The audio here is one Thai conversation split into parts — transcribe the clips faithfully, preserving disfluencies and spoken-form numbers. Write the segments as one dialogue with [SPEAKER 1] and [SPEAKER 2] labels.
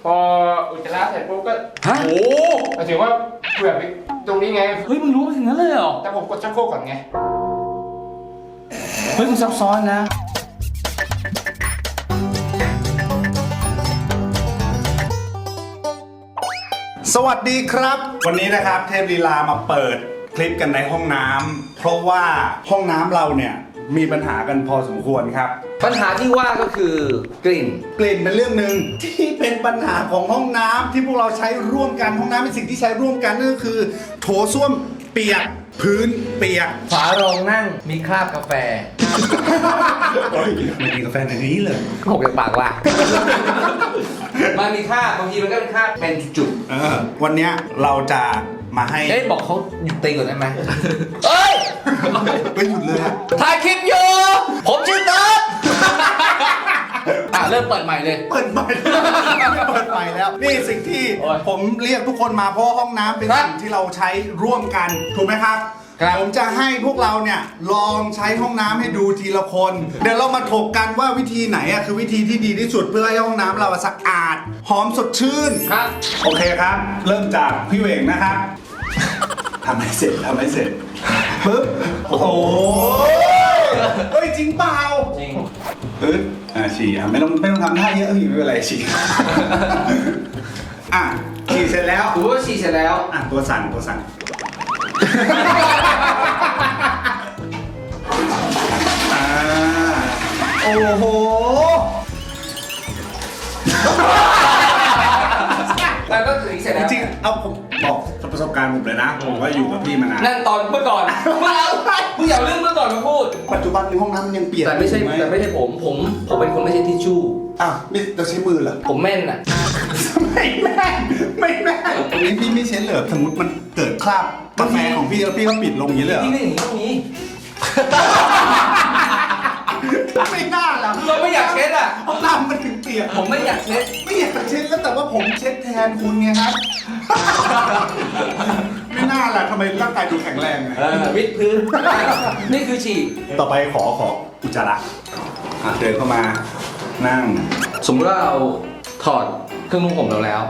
[SPEAKER 1] พออุจจาระเสร็จปุ๊บก็
[SPEAKER 2] ฮะ
[SPEAKER 1] โอ้หมายถึงว่าเผื่อไปตรงนี้ไง
[SPEAKER 2] เฮ้ยมึงรู้มาถึงนั้นเลยเหรอ
[SPEAKER 1] แต่ผมกดชักโครกก่อนไง
[SPEAKER 2] เฮ้ยมึงซับซ้อนนะ
[SPEAKER 3] สวัสดีครับ วันนี้นะครับเทพลีลามาเปิดคลิปกันในห้องน้ำเพราะว่าห้องน้ำเราเนี่ยมีปัญหากันพอสมควรครับ
[SPEAKER 2] ปัญหาที่ว่าก็คือกลิ่น
[SPEAKER 3] กลิ่นเป็นเรื่องหนึ่งที่เป็นปัญหาของห้องน้ำที่พวกเราใช้ร่วมกันห้องน้ำเป็นสิ่งที่ใช้ร่วมกันนั่นก็คือ โถส้วมเปียกพื้นเปียก
[SPEAKER 2] ฝารองนั่งมีคราบกาแฟ
[SPEAKER 3] ไม่มีกาแฟในนี้เลย
[SPEAKER 2] หกจากปากว่ะ มันมีคราบบางทีมันก็เป็นคราบเป็นจุด
[SPEAKER 3] เออวันเนี้ยเราจะมาให้
[SPEAKER 2] ๆเอ้ยบอกเขาหยุดตีก่อนได้ไหมเอ้ย
[SPEAKER 3] ไปหยุดเลยอะ
[SPEAKER 2] ถ่ายคลิปอยู่ ผมชื่อเติร์ดอ่ะเริ่มเปิดใหม่เลย
[SPEAKER 3] เปิดใหม่เปิดใหม่แล้วนี่สิ่งที่
[SPEAKER 2] โอ้ย
[SPEAKER 3] ผมเรียกทุกคนมาเพราะว่าห้องน้ำเป็น
[SPEAKER 2] ครับ
[SPEAKER 3] สิ่งที่เราใช้ร่วมกันถูกไหมครับ
[SPEAKER 2] ครับ
[SPEAKER 3] ผมจะให้พวกเราเนี่ยลองใช้ห้องน้ำให้ดูทีละคน เดี๋ยวเรามาถกกันว่าวิธีไหนอ่ะคือวิธีที่ดีที่สุดเพื่อให้ห้องน้ำเราสะอาดหอมสดชื่น
[SPEAKER 2] ครับ
[SPEAKER 3] โอเคครับ เริ่มจากพี่เหวงนะครับทำให้เสร็จทำให้เสร็จปึ๊บโอ้โหเฮ้ยจริงเปล่า
[SPEAKER 2] จริง
[SPEAKER 3] ปึ๊บอ่าฉี่อ่ะไม่ต้องไม่ต้องทำท่าเยอะพี่ไม่เป็นไรฉี่ อ่ะฉี่เสร็จแล้ว
[SPEAKER 2] ถือว่าฉี่เสร็จแล้ว
[SPEAKER 3] อ่ะตัวสั่นตัวสั่นอ่าโอ้โห
[SPEAKER 2] แล้วก็ถึงเสร็จ
[SPEAKER 3] จ
[SPEAKER 2] แล้ว
[SPEAKER 3] ริงๆเอาผมบอกประสบการณ์ผมเลยนะผมก็อยู่กับพี่มานาน
[SPEAKER 2] นั่นตอนเมื่อก่อนมึงเอามึงอย่าเอาเรื่องเมื่อก่อนมาพูด
[SPEAKER 3] ปัจจุบันในห้องน้ำมันยังเปียก
[SPEAKER 2] แต่ไม่ใช่
[SPEAKER 3] อยู่ห
[SPEAKER 2] แต่ไม่ใช่ผมผมผมเป็นคนไม่ใช่ทิชชู่
[SPEAKER 3] อ้าวนี่เราใช้มือเหรอ
[SPEAKER 2] ผมแม่นอ่ะ
[SPEAKER 3] ไม่แม่นไม่แม่นตรงนี้พี่ไม่เช็ดเลยสมมติมันเกิดคราบกาแฟของพี่แล้วพี่ก็ปิดลงอย่างนี้เลยเหรอ
[SPEAKER 2] ที่นี่อย่างนี้ต้องนี้
[SPEAKER 3] ไม่น่าล่ะ
[SPEAKER 2] เราไม่อยากเช็ดอ่ะ
[SPEAKER 3] ห้องน้ำมันถึงเปียก
[SPEAKER 2] ผมไม่อยากเช็ด
[SPEAKER 3] ไม่อยากเช็ดแล้วแต่ว่าผมเช็ดแทนคุณไงครับ ไม่น่าล่ะทำไมร่างกายดูแข็งแรงไง
[SPEAKER 2] เออวิดพื้น นี่คือฉี่
[SPEAKER 3] ต่อไปขอขออุจจาระอ่ะเดินเข้ามานั่ง
[SPEAKER 2] สมมติว่าเราถอดเครื่องนุ่งผมเราแล้ว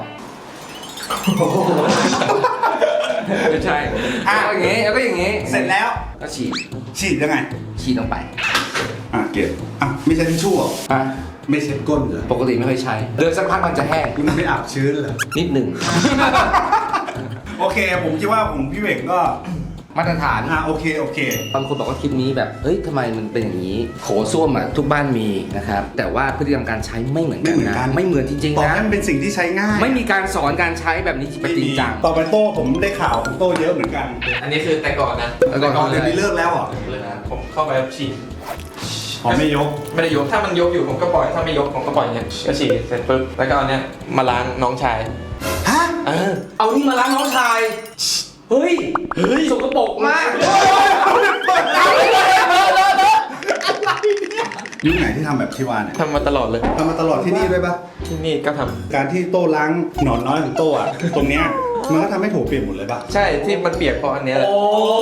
[SPEAKER 2] ไม่ใช่
[SPEAKER 3] อ่ะ
[SPEAKER 2] แล้วก็อย่างงี้แล้วก็อย่างงี้
[SPEAKER 3] เสร็จแล้ว
[SPEAKER 2] ก็ฉีด
[SPEAKER 3] ฉีดยังไง
[SPEAKER 2] ฉีดลงไป
[SPEAKER 3] อ่ะเก็บอ่ะไม่ใช่ทิชชู่เหรอ
[SPEAKER 2] อ่ะ
[SPEAKER 3] ไม่เช็ดก้นเหรอ
[SPEAKER 2] ปกติไม่เคยใช้เดินสักพักมันจะแห้ง
[SPEAKER 3] คุณไม่อาบชื้นเหรอ
[SPEAKER 2] นิดหนึ่ง
[SPEAKER 3] โอเค ผมคิดว่าผมพี่เวกก็
[SPEAKER 2] มาตรฐาน
[SPEAKER 3] อ่ะโอเคโอเค
[SPEAKER 2] บางคนบอกว่าคลิปนี้แบบเฮ้ยทำไมมันเป็นอย่างนี้โถส้วมอ่ะทุกบ้านมีนะครับแต่ว่าพฤติกรรมการใช้ไม่เหมือน
[SPEAKER 3] ไม่
[SPEAKER 2] กัน
[SPEAKER 3] เหมือน
[SPEAKER 2] นะ
[SPEAKER 3] กัน
[SPEAKER 2] ไม่เหมือนจริง
[SPEAKER 3] ต่อ
[SPEAKER 2] ๆนะ
[SPEAKER 3] ให้มันเป็นสิ่งที่ใช้ง่าย
[SPEAKER 2] ไม่มีการสอนการใช้แบบนี้จริงจัง
[SPEAKER 3] ต่อไปโต้ผมได้ข่าวของโต้เยอะเหมือนกัน
[SPEAKER 1] อันนี้คือแต่ก่อนนะ
[SPEAKER 2] แต่ก่อน
[SPEAKER 3] ก่อนเดี๋ยวนี้เลิกแล้วเหรอ
[SPEAKER 1] เลยนะผมเข้าไปฉี่
[SPEAKER 3] อ๋อไม่ยก
[SPEAKER 1] ไม่ได้ยกถ้ามันยกอยู่ผมก็ปล่อยถ้าไม่ยกผมก็ปล่อยอย่างเงี้ยก็ฉี่เสร็จปุ๊บแล้วก็เอาเนี้ยมาล้างน้องชาย
[SPEAKER 3] ฮะ
[SPEAKER 1] เออ
[SPEAKER 2] เอานี่มาล้างน้องชายเฮ้ยเฮ้ยสกปรกมาก
[SPEAKER 3] ยุคไหนที่ทำแบบที่ว่าเนี่ย
[SPEAKER 1] ทำมาตลอดเลย
[SPEAKER 3] ทำมาตลอดที่นี่ด้วยปะ
[SPEAKER 1] ที่นี่ก็ทำ
[SPEAKER 3] การที่โต้ล้างหนอนน้อยของโต้อะตรงเนี้ยมันก็ทำให้โถเปลี่ยนหมดเลยปะ
[SPEAKER 1] ใช่ที่มันเปียกเพราะอันเนี้ยแหละ
[SPEAKER 2] โอ้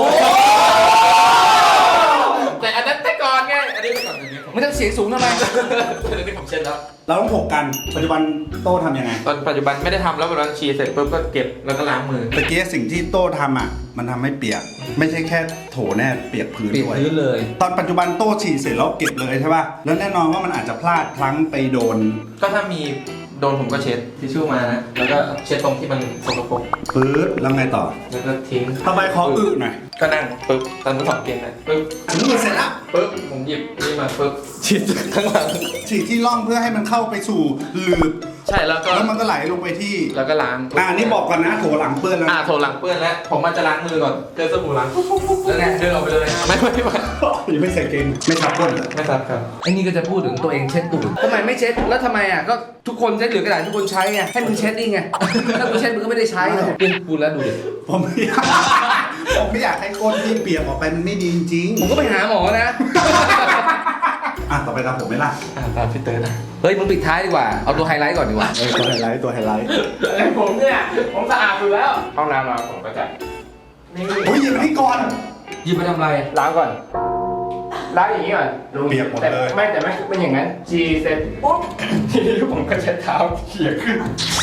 [SPEAKER 1] แต่อันนั้นแต่ก่อนไงอันนี้แต่ก่อนอันนี้ผม
[SPEAKER 2] ไม่ต้องเสียงสูงทำไม
[SPEAKER 1] อันนี้ผมเช็ดแล้ว
[SPEAKER 3] เราต้องถกกันปัจจุบันโต้ทำยังไง
[SPEAKER 1] ตอนปัจจุบันไม่ได้ทำแล้วเวลาฉี่เสร็จปุ๊บก็เก็บแล้วก็ล้างมือ
[SPEAKER 3] ตะกี้สิ่งที่โต้ทำอ่ะมันทำให้เปียก ไม่ใช่แค่โถแน่เปียกพื้น
[SPEAKER 2] เปลี่ยน
[SPEAKER 3] ด้วย
[SPEAKER 2] พื้นเลย
[SPEAKER 3] ตอนปัจจุบันโต้ฉี่เสร็จแล้วเก็บเลยใช่ป่ะแล้วแน่นอนว่ามันอาจจะพลาดพลั้งไปโดน
[SPEAKER 1] ก็ถ้ามีโดนผมก็เช็ดทิชชู่มานะแล้วก็เช็ดตรงที่มันสกปรก
[SPEAKER 3] ปื๊ดแล้วไงต่อ
[SPEAKER 1] แล้วก็ทิ้ง
[SPEAKER 3] ต่อไปขออึหน่อย
[SPEAKER 1] ก็นั่งปุ๊บตอนนั้นถอดเกงนะปุ๊บ
[SPEAKER 3] ถึงมือเสร็จแล้ว
[SPEAKER 1] ปุ๊บผมหยิบนี่มาปุ๊บฉีดข้างหลัง
[SPEAKER 3] ฉีดที่ร่องเพื่อให้มันเข้าไปสู่หลืบ
[SPEAKER 1] ใช่แล้วก็
[SPEAKER 3] แล้วมันก็ไหลลงไปที่
[SPEAKER 1] แล้วก็ล้าง
[SPEAKER 3] อ่านี่บอกก่อนนะโถหลังเปื้อนแล้ว
[SPEAKER 1] อ่าโถหลังเปื้อนแล้วผมมันจะล้างมือก่อนเจอสบู่ล้างปุ๊บปุ๊บปุ๊บแล้วไงเดินออกไปเลยไม่ไม่ไม่
[SPEAKER 3] ยังไม่ใส่เกงไม่ทับก้นเหรอ
[SPEAKER 1] ไม่ทราบครับ
[SPEAKER 2] ไอ้นี่ก็จะพูดถึงตัวเองเช็ดตูดทำไมไม่เช็ด แล้วทำไมอ่ะ ก็ทุกคนใช้เหลือกระดาษทุกคนใช้ไง ให้มึงเช็ดดิไง ถ้ามึงเช็ดมึงก็ไม่ได้ใช้ไงเปลี่ยนพูดแล้วดูดิ
[SPEAKER 3] ผมไม่อยากผมไม่อยากให้ก้นที่เปียกออกไปมันไม่ดีจริง
[SPEAKER 2] ผมก็ไปหาหมอนะ
[SPEAKER 3] ๆอ่ะต่อไปตามผมไหมล่ะ
[SPEAKER 1] อ่าตามพี่เตอร์นะ
[SPEAKER 2] เฮ้ยมึงปิดท้ายดีกว่า เอาตัวไฮไลท์ก่อนดีกว่า
[SPEAKER 3] เออตัวไฮไลท์ตัวไฮไลท์
[SPEAKER 1] ผมเนี่ยผมสะอาดอยู่แล้วห้องน้ำเราผมก็จะนี่
[SPEAKER 3] โอ้ยหยิบอันนี้ก่อน
[SPEAKER 2] หยิบไปทำอะไร
[SPEAKER 1] ล้างก่อน
[SPEAKER 4] ล้างอย่างนี้ก่อน
[SPEAKER 3] เปียกหมด
[SPEAKER 4] แต่
[SPEAKER 3] เลย
[SPEAKER 4] ไม่แต่ไม่เป็นอย่างนั้นฉี่เสร็จปุ๊บทีนี้ผมก็ใช้เท้าเขี่ยขึ้น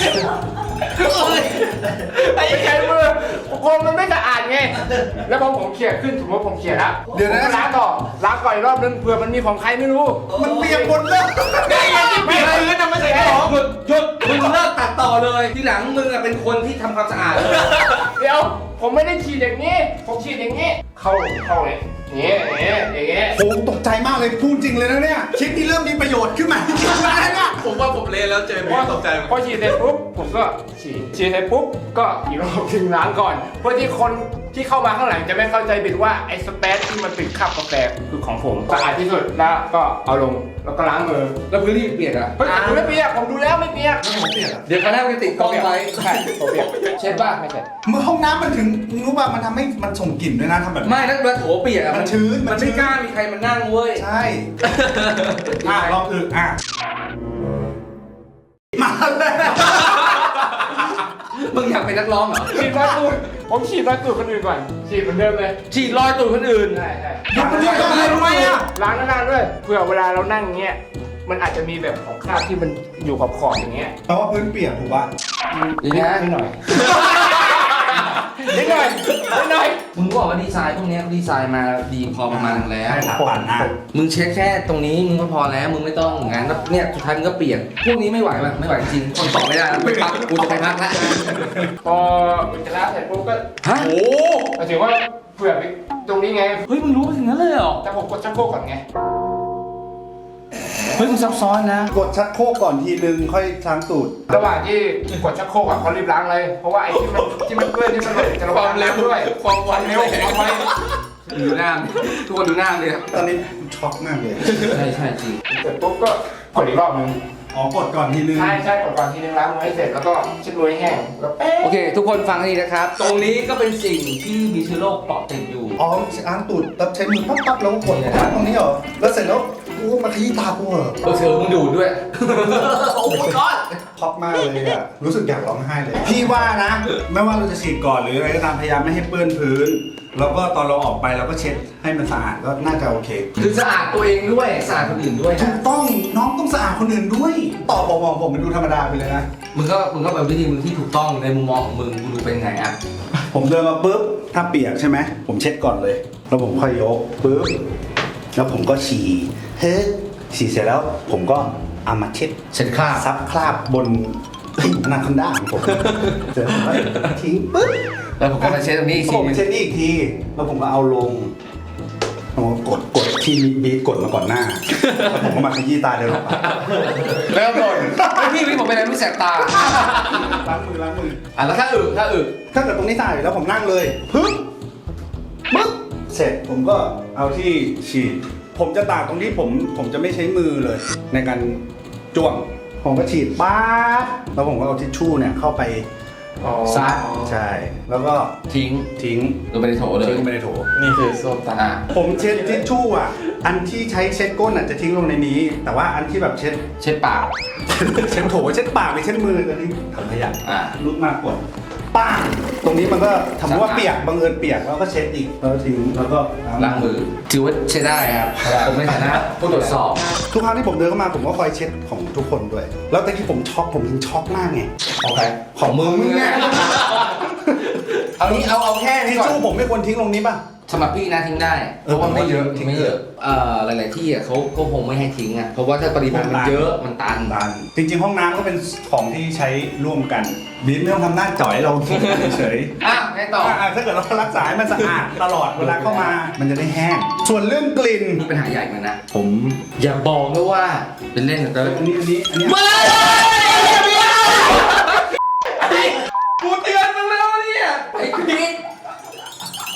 [SPEAKER 4] ไม่ใช้มือโคมมันไม่สะอาดไงแล้วพอผมเขี่ยขึ้นสมมติผมเขี่ยแล้ว
[SPEAKER 3] เดี๋ยวนะ
[SPEAKER 4] ผมก็ล้างต่อล้างก่อนอีกรอบนึงเผื่อมันมีของใครไม่รู้
[SPEAKER 3] มันเปียกหมดเลย
[SPEAKER 1] ได้ยังที่เปลี่ยนพื้นทำไมใส่ของ
[SPEAKER 2] หยุดหยุดมึงเลิกตัดต่อเลยทีหลังมึงอะเป็นคนที่ทำความสะอาดเลย
[SPEAKER 4] เดี๋ยวผมไม่ได้ฉีดอย่างนี้ ผมฉีดอย่างนี้ เข้าเข้าเลยอย่างนี้อย่างนี้อย่างนี้
[SPEAKER 3] โอ้ตกใจมากเลยพูดจริงเลยนะเนี่ยคลิปนี้เริ่มมีประโยชน์ขึ้นมาจริงๆแล้วเนี่ย
[SPEAKER 1] ผมว่าผมเละแล้วเจอพี่ตกใจ
[SPEAKER 4] พอฉีดเสร็จปุ๊บผมก็ฉีดฉีดเสร็จปุ๊บก็อีกรอบถึงล้างก่อน เพื่อที่คนที่เข้ามาข้างหลังจะไม่เข้าใจผิดว่าไอ้สเปซที่มันติดคราบกาแฟคือของผมสะอาดที่สุดแล้วก็เอาลงแล้วก็ล้างมือ
[SPEAKER 2] แล้วพื้นที่เปียกอะ
[SPEAKER 4] เฮ้ยผมไม่เปียกผมดูแล้วไม่เปียก
[SPEAKER 2] เดี๋ยวคณะมันจะติดกล้องไว้
[SPEAKER 4] ใช่ผมเปียกเช็ดบ้างไม่เช็ด
[SPEAKER 3] เมื่อห้องน้ำมันถึงรู้ป่ะมันทำให้มันส่งกลิ่นด้วยนะทำแบบนี้
[SPEAKER 2] ไม่แล้วเวลาโถเปียกอะ
[SPEAKER 3] มันชื้นมั
[SPEAKER 2] มัน น
[SPEAKER 3] ชื้
[SPEAKER 2] ไม่
[SPEAKER 3] น
[SPEAKER 2] กล้ามีใครมานั่งเว้ย
[SPEAKER 3] ใช่ อ่ะลองอึอ่ะมาเลย
[SPEAKER 2] มึงอยากเป็นนักร้องเหรอ
[SPEAKER 4] ฉีดรอยตูดผมฉีดรอยตูดคนอื่นก่อนฉีดเหมือนเดิมเลย
[SPEAKER 2] ฉีดรอยตูดคนอื่น
[SPEAKER 4] ใช่ใช่
[SPEAKER 3] หยุดมันด้วยทำไมทำไมอ่ะ
[SPEAKER 4] ล้างหน้าด้วยเผื่อเวลาเรานั่งเงี้ยมันอาจจะมีแบบของคราบที่มันอยู่ขอบขอบๆอย่างเงี้ย
[SPEAKER 3] แปลว่าพื้นเปียกถูกป่ะ
[SPEAKER 2] อย่างเงี้ย
[SPEAKER 4] นิดหน่อยนิดหน่อยนิดหน่อย
[SPEAKER 2] มึงบอกว่าดีไซน์พวกเนี้ยเขาดีไซน์มาดีพอประมาณนึงแล้ว
[SPEAKER 3] ใช่ถามปั่นอ่ะ
[SPEAKER 2] มึงเช็ดแค่ตรงนี้มึงก็พอแล้วมึงไม่ต้องงั้นแล้วเนี่ยสุดท้ายมึงก็เปลี่ยนพวกนี้ไม่ไหวป่ะไม่ไหวจริงคนตอบไม่ได้แล้วไปพักกูจะไปพักแล้ว
[SPEAKER 4] พออุจจาระเสร็จปุ๊บก็
[SPEAKER 2] ฮะ
[SPEAKER 1] โอ้
[SPEAKER 4] หมายถึงว่าเผื่อไปตรงนี้ไง
[SPEAKER 2] เฮ้ยมึงรู้ไปถึงนั้นเลยเหรอ
[SPEAKER 4] แต่ผมกดชักโครกก่อนไง
[SPEAKER 2] เฮ้ยมึงซับซ้อนนะ
[SPEAKER 3] กดชักโครกก่อนทีนึงค่อยล้างตูด
[SPEAKER 4] ระหว่างที่กดชักโครกอ่ะเขารีบล้างเลยเพราะว่าไอ้ที่มันที่มันเปื้อนที่มันหล่นจะระ
[SPEAKER 1] ความเร็ว
[SPEAKER 4] ด้วย
[SPEAKER 1] ความไว
[SPEAKER 4] เร็วความไว
[SPEAKER 2] ดูหน้าทุกคนดูหน้าเลย
[SPEAKER 3] ตอนนี้ช็อกมากเลย
[SPEAKER 2] ใช่ใช่จริง
[SPEAKER 4] เสร็จปุ๊บก็กดอีกรอบนึง
[SPEAKER 3] อ๋อกดก่อนทีนึง
[SPEAKER 4] ใช่ใช่กดก่อนทีนึงล้างมือให้เสร็จแล้วก็เช็ดมือให้แห้งแล้วเป๊ะ
[SPEAKER 2] โอเค ทุกคนฟังให้ดีนะครับ ตรงนี้ก็เป็นสิ่งที่มีเชื้อโรคเกาะติดอยู่
[SPEAKER 3] อ๋อล้างตูดแล้วใช้มือปั๊บปั๊บแล้วก็กดล้างตรงนี้เหรอแล้วเสร็จแล้วกูมาขยี้ตากูเหรอ
[SPEAKER 2] เออเธอมึงดูดด้วย โอ้ยก้อน
[SPEAKER 3] ช็อกมากเลยอ่ะรู้สึกอยากร้องไห้เลย พี่ว่านะ ไม่ว่าเราจะฉีดก่อนหรืออะไรก็ตามพยายามไม่ให้เปื้อนพื้น แล้วก็ตอนเราออกไปเราก็เช็ดให้มันสะอาดก็น่าจะโอเค
[SPEAKER 2] คือสะอาดตัวเองด้วยสะอาดคนอื่นด้วย
[SPEAKER 3] ถู
[SPEAKER 2] นะ
[SPEAKER 3] กต้องน้องต้องสะอาดคนอื่นด้วยตอบบอกมองผมมันดูธรรมดาไปเลยนะ
[SPEAKER 2] มึงก็มึงก็เป็นวิธีมึงที่ถูกต้องในมุมมองของมึงมึงดูเป็นไงอ่ะ
[SPEAKER 3] ผมเดินมาปุ๊บถ้าเปียกใช่ไหมผมเช็ดก่อนเลย แล้วผมค่อยยกปุ๊บแล้วผมก็ฉี่เฮ้ยฉี่เสร็จแล้ว ผมก็เอามาเช็ด
[SPEAKER 2] เช็ดคราบ
[SPEAKER 3] ซับคราบบนอนาคอนด้าของผมเสร็จแล้วผมก็ทิ้งปุ๊บ
[SPEAKER 2] แล้วผมก็มาเช็ดตรงนี้อีก
[SPEAKER 3] ผ
[SPEAKER 2] ที
[SPEAKER 3] ม
[SPEAKER 2] นึง
[SPEAKER 3] เช็ดนี่อีกทีแล้วผมก็เอาลงผมก็กดกดที่บีทกดมาก่อนหน้าแล้วผมก็มาขยี้ตาเดินออกไป
[SPEAKER 2] แล้วก่อนไอ้พี่พี่ผมเป็นอะไรรู้แสบตา
[SPEAKER 3] ล้างมือล้างมือ
[SPEAKER 2] อ่ะแล้วถ้าอึถ้าอึ
[SPEAKER 3] ถ้าเกิดตรงนี้ตายแล้วผมนั่งเลยปึ๊บปึ๊บเสร็จผมก็เอาที่ฉีด ผมจะตากตรงนี้ผมผมจะไม่ใช้มือเลย ในการจ้วง ผมก็ฉีดป๊าบแล้วผมก็เอาทิชชู่เนี่ยเข้าไป
[SPEAKER 2] ซัด
[SPEAKER 3] ใช่ แล้วก็
[SPEAKER 2] ทิ้ง
[SPEAKER 3] ทิ้ง
[SPEAKER 2] ลงไปในโถเลย
[SPEAKER 3] ทิ้งลงไปในโถ
[SPEAKER 1] นี่คือส้มตา
[SPEAKER 2] อ่ะ
[SPEAKER 3] ผมเช็ดทิชชู่อ่ะ อันที่ใช้เช็ดก้นอ่ะจะทิ้งลงในนี้ แต่ว่าอันที่แบบเช็ด
[SPEAKER 2] เช็ดปาก
[SPEAKER 3] เช็ดโถเช็ดปากไปเช็ดมือจะทิ้งถังขยะ
[SPEAKER 2] อ่ะ
[SPEAKER 3] ลุกมากกดป้างตรงนี้มันก็ทำว่าเปียกบังเอิญเปียกแล้วก็เช็ดอีกแล้วก็ทิ้งแล้วก็
[SPEAKER 2] ล้างมือถือว่าใช้ได้ครับ ผมในฐานะผู้ตรวจสอบ
[SPEAKER 3] ทุกครั้งที่ผมเดินเข้ามาผมก็คอยเช็ดของทุกคนด้วย แล้วตอนที่ผมช็อกผมถึงช็อกมากไง
[SPEAKER 2] โอเคของมึงเนี่ยเอานี้เอาเอาแค่นี้
[SPEAKER 3] ทิช
[SPEAKER 2] ก่อน
[SPEAKER 3] ชู่ผมไม่ควรทิ้งลงนี้ป่ะ
[SPEAKER 2] สำหรับพี่นะทิ้งได้
[SPEAKER 3] เออผมว่าเยอะ
[SPEAKER 2] ทิ้งไม่เยอะเอ่อหลายๆที่อ่ะเขาก็คงไม่ให้ทิ้งอ่ะเพราะว่าถ้าปริมาณมันเยอะมันตัน
[SPEAKER 3] ตันจริงๆห้องน้ำก็เป็นของที่ใช้ร่วมกันบีมไม่ต้องทำหน้าจ่อยเราเฉย
[SPEAKER 2] อ่ะไงต่อ
[SPEAKER 3] ๆอ่ะถ้าเกิดเรารักษาให้มันสะอาดตลอดเวลาเข้ามา มันจะได้แห้ง ส่วนเรื่องกลิ่น
[SPEAKER 2] นี่ปัญหาใหญ่เหมือนกันนะ ผมอย่าบอกด้วยว่าเป็นเล่นกับเต้ย
[SPEAKER 3] อันนี้อันนี้อันนี้
[SPEAKER 2] มากูเตือนมึงแล้วเนี่ยไอ้พีท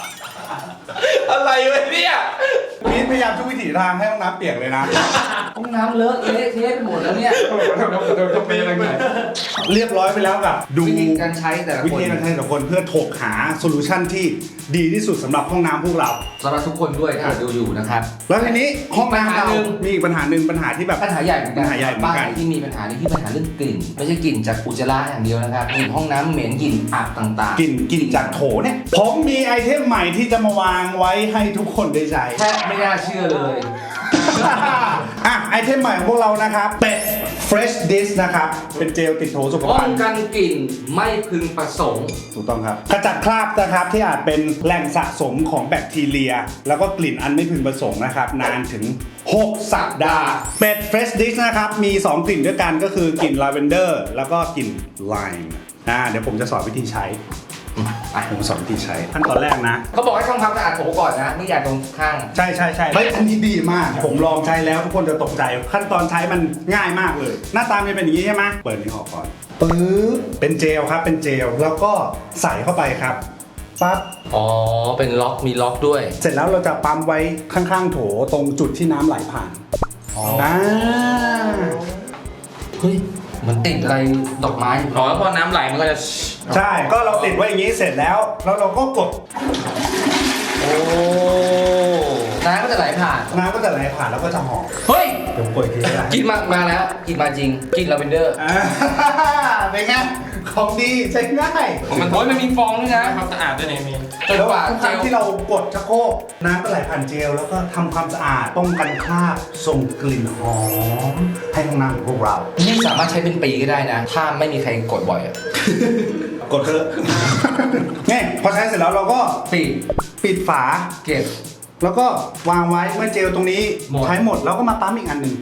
[SPEAKER 1] อะไรวะเนี่ย
[SPEAKER 3] บีมพยายามทุกวิถีทางให้ห้องน้ำเปียกเลยนะ ห้อง
[SPEAKER 2] น้ำเลอะเละเทะไปหมดแล้วเนี่ย
[SPEAKER 1] จะเป็นยังไง
[SPEAKER 3] เรียบร้อยไปแล้วกับดู
[SPEAKER 2] วิธีการใช้แต่ละ
[SPEAKER 3] วิ
[SPEAKER 2] คน
[SPEAKER 3] ธีการใช้แต่ละคนเพื่อถกหาโซลูชันที่ดีที่สุดสำหรับห้องน้ำพวกเรา
[SPEAKER 2] สำหรับทุกคนด้วยถ้าดูอยู่นะครับ
[SPEAKER 3] แล้วทีนี้ห้องน้ำเรา
[SPEAKER 2] ปัญหาหนึ่ง
[SPEAKER 3] มีอีกปัญหาหนึ่งปัญหาที่แบบ
[SPEAKER 2] ปัญหาใหญ่เหมือนกัน
[SPEAKER 3] ปัญหาใหญ่เหมือนกัน
[SPEAKER 2] บ้านที่มีปัญหานี่ที่ปัญหาเรื่องกลิ่น ไม่ใช่กลิ่นจากอุจจาระอย่างเดียวนะครับกลิ่นห้องน้ำเหม็นกลิ่นอับต่างๆ
[SPEAKER 3] กลิ่นกลิ่นจากโถเนี่ยผมมีไอเทมใหม่ที่จะมาวางไว้ให้ทุกคนได้ใช้
[SPEAKER 2] แทบไม่น่าเชื่อเลย
[SPEAKER 3] อ่ะไอเทมใหม่ของพวกเรานะครับเป็ด Fresh Dish นะครับเป็นเจลติดโถสุข
[SPEAKER 2] ป้
[SPEAKER 3] ภั
[SPEAKER 2] อง
[SPEAKER 3] ณฑ์
[SPEAKER 2] กันกลิ่นไม่พึงประสงค์
[SPEAKER 3] ถูกต้องครับขจัดคราบนะครับที่อาจเป็นแหล่งสะสมของแบคทีเรีย แล้วก็กลิ่นอันไม่พึงประสงค์นะครับนานถึงหกสัปดาห์เป็ด Fresh Dish นะครับมีสองกลิ่นด้วยกันก็คือกลิ่นลาเวนเดอร์แล้วก็กลิ่นไลม์อ่าเดี๋ยวผมจะสอนวิธีใช้อ่ะผมสอนวิธีใช้ขั้นตอนแรกนะ
[SPEAKER 2] เขาบอกให้ทำความสะอาดโถก่อนนะไม่อยากตรงข้าง
[SPEAKER 3] ใช่ใช่ใช่เฮ้ยอันนี้ดีมาก ผมลองใช้แล้วทุกคนจะตกใจ ขั้นตอนใช้มันง่ายมากเลย หน้าตามันเป็นอย่างนี้ใช่ไหมเปิดนี้ออกก่อนปึ๊บเป็นเจลครับเป็นเจลแล้วก็ใส่เข้าไปครับปั๊บ
[SPEAKER 2] อ๋อเป็นล็อกมีล็อกด้วย
[SPEAKER 3] เสร็จแล้วเราจะปั๊มไว้ข้างๆโถตรงจุดที่น้ำไหลผ่าน
[SPEAKER 2] อ๋อ
[SPEAKER 3] อ่า
[SPEAKER 2] เฮ้ยเหมันติดอะไรดอกไม้
[SPEAKER 1] อ๋อแล้วพอน้ำไหลมันก็จะ
[SPEAKER 3] ใช่ก็เราติดไว้อย่างนี้เสร็จแล้วแล้วเราก็กด
[SPEAKER 2] โอ้น้ำก็จะไหลผ่าน
[SPEAKER 3] น้ำก็จะไหลผ่านแล้วก็จะหอม
[SPEAKER 2] เฮ้ย
[SPEAKER 3] เดี๋ยวกดอีกทีก็ได้
[SPEAKER 2] กินมามาแล้วกินมาจริงกินลาเวนเดอร์
[SPEAKER 3] อ่าเป็นไงของดีใช้ง่าย
[SPEAKER 1] มัน
[SPEAKER 2] โอ้ยมันมีฟองด้วยนะ
[SPEAKER 1] ความสะอาดด้วยเนี่ยมี
[SPEAKER 2] จน
[SPEAKER 3] แล้ว
[SPEAKER 2] กว่า
[SPEAKER 3] ทุกค
[SPEAKER 2] เจ
[SPEAKER 3] รั้ง
[SPEAKER 2] ล
[SPEAKER 3] ที่เรากดชักโครกน้ำก็ไหลผ่านเจลแล้วก็ทำความสะอาดป้องกันคราบส่งกลิ่นหอมให้ห้องน้ำของพวกเรา
[SPEAKER 2] นี่สามารถใช้เป็นปีก็ได้นะ ถ้าไม่มีใครกดบ่อยอะ
[SPEAKER 3] กดเถอะ เนี่ยพอใช้เสร็จแล้วเราก็
[SPEAKER 2] ปิด
[SPEAKER 3] ปิดฝา
[SPEAKER 2] เก็บ
[SPEAKER 3] แล้วก็วางไว้เมื่อเจลตรงนี้
[SPEAKER 2] หมด
[SPEAKER 3] ใช้หมดแล้วก็มาปั๊มอีกอันหนึ่ง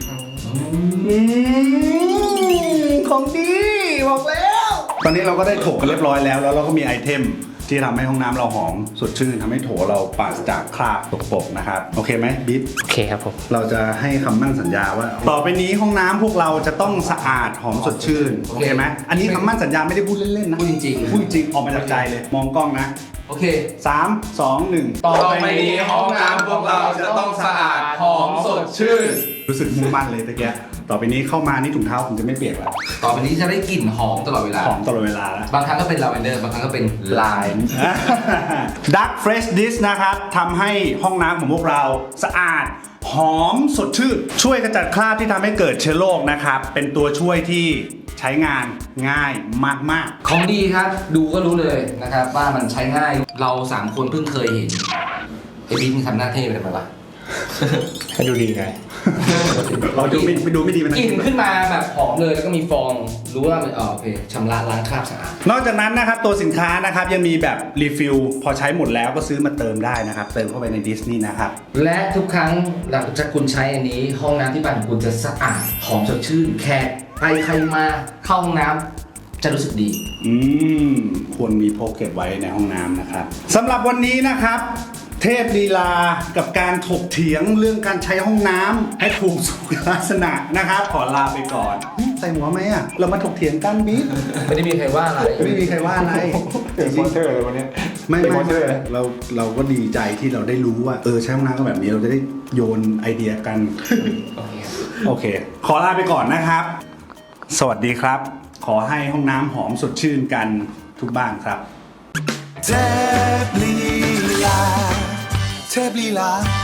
[SPEAKER 3] ของดีบอกแล้ว ตอนนี้เราก็ได้ถกกันเรียบร้อยแล้ว แล้วเราก็มีไอเทมที่ทำให้ห้องน้ำเราหอมสดชื่นทำให้โถเราปราศจากคราบสกปรกนะครับโอเคไหมบิ๊ก
[SPEAKER 4] โอเคครับผม
[SPEAKER 3] เราจะให้คำมั่นสัญญาว่า ต่อไปนี้ห้องน้ำพวกเราจะต้องสะอาดหอมสดชื่นโอเคไหมอันนี้คำมั่นสัญญาไม่ได้พูดเล่นๆนะ
[SPEAKER 2] พูดจริงๆ
[SPEAKER 3] พูดจริงออกมาจากใจเลย มองกล้องนะ
[SPEAKER 2] โอเค
[SPEAKER 3] สามสองหนึ่ง
[SPEAKER 2] ต่อไปนี้ห้องน้ำพวกเราจะต้องสะอาดหอมสดชื่น
[SPEAKER 3] รู้สึกมุ่งมั่นเลยตะเกียต่อไปนี้เข้ามานี่ถุงเท้าผมจะไม่เปียกแล้ว
[SPEAKER 2] ต่อไปนี้จะได้กลิ่นหอมตลอดเวลา
[SPEAKER 3] หอมตลอดเวลาแล้ว
[SPEAKER 2] บางครั้งก็เป็นลาเวนเดอร์ บางครั้งก็เป็นลาย
[SPEAKER 3] Dark Fresh Dish นะครับทำให้ห้องน้ำของพวกเราสะอาด หอมสดชื่น ช่วยกระจัดคราบที่ทำให้เกิดเชื้อโรคนะครับ เป็นตัวช่วยที่ใช้งานง่ายมาก
[SPEAKER 2] ของดีครับ ดูก็รู้เลยนะครับว่ามันใช้ง่าย เราสามคนเพิ่งเคยเห็นไอ้บิ๊กมันทำหน้าเท่ไปทำไมวะ
[SPEAKER 4] ให้ดูดีไง
[SPEAKER 3] ๆ เราดูไม่ไปดูไม่ดีมัน
[SPEAKER 2] กลิ่นขึ้นมาแบบหอมเลยแล้วก็มีฟอง รู้ว่ามันอ๋อโอเคชำระล้างคราบสะอาด
[SPEAKER 3] นอกจากนั้นนะครับตัวสินค้านะครับยังมีแบบรีฟิลพอใช้หมดแล้วก็ซื้อมาเติมได้นะครับ เติมเข้าไปในดิสนีย์นะครับ
[SPEAKER 2] และทุกครั้งหลังจากคุณใช้อันนี้ ห้องน้ำที่บ้านของคุณจะสะอาดหอมสดชื่น แขกไปใครมาเข้าห้องน้ำจะรู้สึกดี
[SPEAKER 3] อืมควรมีพกเก็บไว้ในห้องน้ำนะครับสำหรับวันนี้นะครับ เทพลีลากับการถกเถียงเรื่องการใช้ห้องน้ำให้ถูกสุขลักษณะนะครับ ขอลาไปก่อนใส่หัวไหมอ่ะเรามาถกเถียงกันบิ๊ก
[SPEAKER 2] ไม่ได้มีใครว่าอะไร
[SPEAKER 3] ไม่มีใครว่าอะไร
[SPEAKER 4] เป็นสปอนเซอร์เลยวันนี้
[SPEAKER 3] ไม่
[SPEAKER 4] เป็น
[SPEAKER 3] ไม่
[SPEAKER 4] สปอนเซอ
[SPEAKER 3] ไม่
[SPEAKER 4] ร์
[SPEAKER 3] เราเราก็ดีใจที่เราได้รู้ว่าเออใช้ห้องน้ำก็แบบนี้เราจะได้โยนไอเดียกัน โอเค ขอลาไปก่อนนะครับ สวัสดีครับ ขอให้ห้องน้ำหอมสดชื่นกันทุกบ้านครับ
[SPEAKER 5] เทพลีลาเทพลีลา